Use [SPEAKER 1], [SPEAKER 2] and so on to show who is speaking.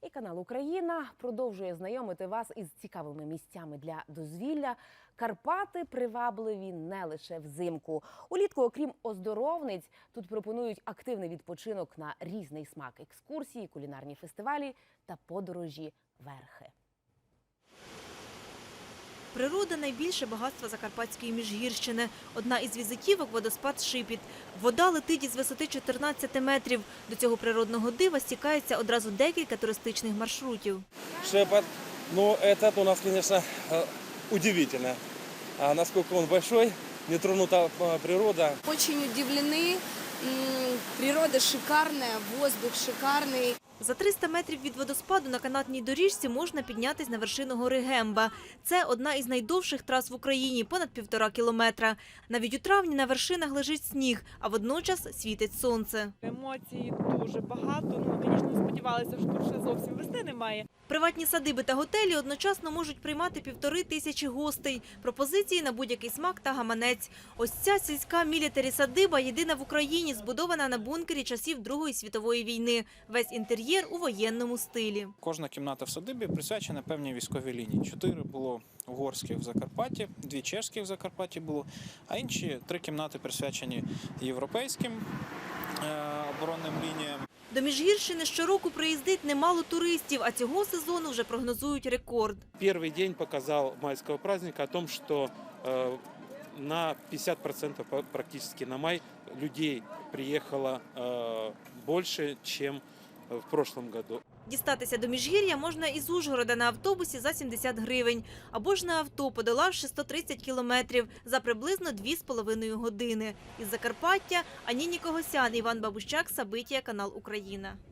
[SPEAKER 1] І канал «Україна» продовжує знайомити вас із цікавими місцями для дозвілля. Карпати привабливі не лише взимку. Улітку, окрім оздоровниць, тут пропонують активний відпочинок на різний смак – екскурсії, кулінарні фестивалі та подорожі верхи.
[SPEAKER 2] Природа – найбільше багатство Закарпатської Міжгірщини. Одна із візитівок – водоспад Шипіт. Вода летить із висоти 14 метрів. До цього природного дива стікається одразу декілька туристичних маршрутів.
[SPEAKER 3] Шепот, ну этот у нас, конечно, удивительно. А насколько он большой, нетронута природа.
[SPEAKER 4] Очень удивлены. Природа шикарная, воздух шикарный.
[SPEAKER 2] За 300 метрів від водоспаду на канатній доріжці можна піднятись на вершину гори Гемба. Це одна із найдовших трас в Україні – понад 1,5 кілометра. Навіть у травні на вершинах лежить сніг, а водночас світить сонце.
[SPEAKER 5] Емоцій дуже багато. Ну, звісно, сподівалися, що тут ще зовсім весни немає.
[SPEAKER 2] Приватні садиби та готелі одночасно можуть приймати 1500 гостей. Пропозиції на будь-який смак та гаманець. Ось ця сільська мілітарі-садиба єдина в Україні, збудована на бункері часів Другої світової війни. Весь інтер'єр у воєнному стилі.
[SPEAKER 6] Кожна кімната в садибі присвячена певній військовій лінії. 4 було угорських в Закарпатті, 2 чешських в Закарпатті було, а інші 3 кімнати присвячені європейським оборонним лініям.
[SPEAKER 2] До Міжгірщини щороку приїздить немало туристів, а цього сезону вже прогнозують рекорд.
[SPEAKER 7] Первый день показал майского праздника о том, что на 50% практически на май людей приехало больше, чем в прошлом году.
[SPEAKER 2] Дістатися до Міжгір'я можна із Ужгорода на автобусі за 70 гривень. Або ж на авто, подолавши 130 кілометрів за приблизно 2,5 години. Із Закарпаття Ані Нікогосян, Іван Бабущак, Сабитія, канал «Україна».